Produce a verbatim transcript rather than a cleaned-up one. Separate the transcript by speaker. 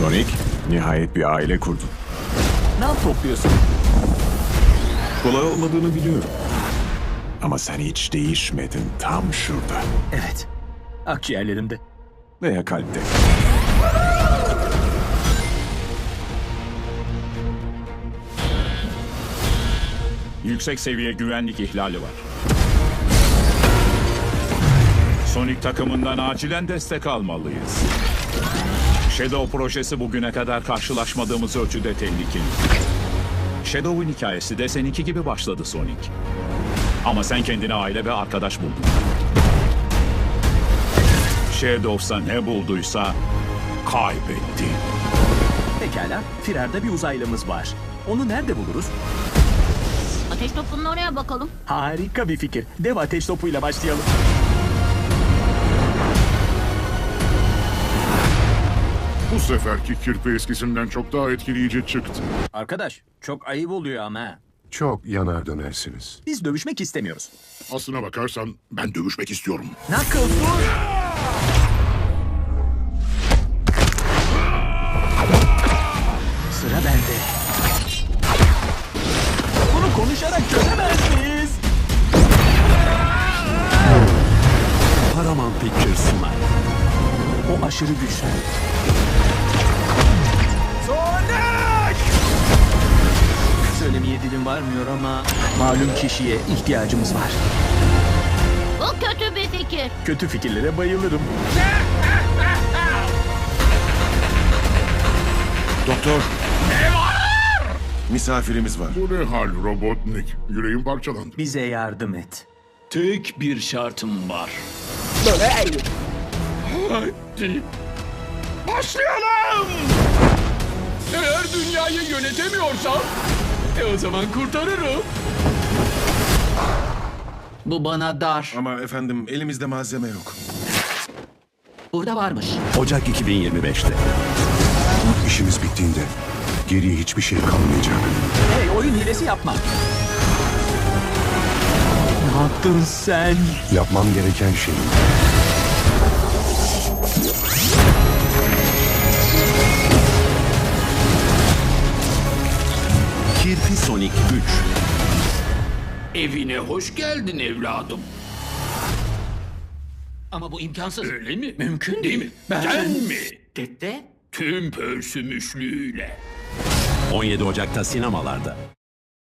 Speaker 1: Sonic, nihayet bir aile kurdun.
Speaker 2: Ne yap topluyorsun?
Speaker 1: Kolay olmadığını biliyorum. Ama sen hiç değişmedin, tam şurada.
Speaker 2: Evet. Akciğerlerimde.
Speaker 1: Veya kalpte.
Speaker 3: Yüksek seviye güvenlik ihlali var. Sonic takımından acilen destek almalıyız. Shadow projesi bugüne kadar karşılaşmadığımız ölçüde tehlikeli. Shadow'un hikayesi de seninki gibi başladı Sonic. Ama sen kendine aile ve arkadaş buldun. Shadow'sa ne bulduysa kaybetti.
Speaker 2: Pekala. Firarda bir uzaylımız var. Onu nerede buluruz?
Speaker 4: Ateş topunun oraya bakalım.
Speaker 2: Harika bir fikir. Dev ateş topuyla başlayalım.
Speaker 5: Bu seferki kirpi eskisinden çok daha etkileyici çıktı.
Speaker 2: Arkadaş, çok ayıp oluyor ama.
Speaker 6: Çok yanar dönersiniz.
Speaker 2: Biz dövüşmek istemiyoruz.
Speaker 5: Aslına bakarsan ben dövüşmek istiyorum.
Speaker 2: Knuckles dur! Sıra bende. Bunu konuşarak çözemez miyiz?
Speaker 1: Paramount Pictures sunar.
Speaker 2: O aşırı güçlü. Sonic! Söylemeye dilim varmıyor ama malum kişiye ihtiyacımız var.
Speaker 4: Bu kötü bir fikir.
Speaker 2: Kötü fikirlere bayılırım.
Speaker 6: Doktor. Misafirimiz var.
Speaker 5: Bu ne hal Robotnik? Yüreğim parçalandı.
Speaker 2: Bize yardım et.
Speaker 3: Tek bir şartım var. Hadi. Başlayalım! Eğer dünyayı yönetemiyorsam, e o zaman kurtarırım.
Speaker 7: Bu bana dar.
Speaker 6: Ama efendim elimizde malzeme yok.
Speaker 7: Burada varmış.
Speaker 1: Ocak iki bin yirmi beşte.
Speaker 6: İşimiz bittiğinde geriye hiçbir şey kalmayacak.
Speaker 2: Hey, oyun hilesi yapma. Ne yaptın sen?
Speaker 6: Yapmam gereken şey
Speaker 1: Kirpi Sonic üç.
Speaker 3: Evine hoş geldin evladım.
Speaker 7: Ama bu imkansız.
Speaker 3: Öyle mi? Mümkün değil mi? Ben mi?
Speaker 7: Dede?
Speaker 3: Tüm pörsümüşlüğüyle.
Speaker 1: on yedi Ocak'ta sinemalarda.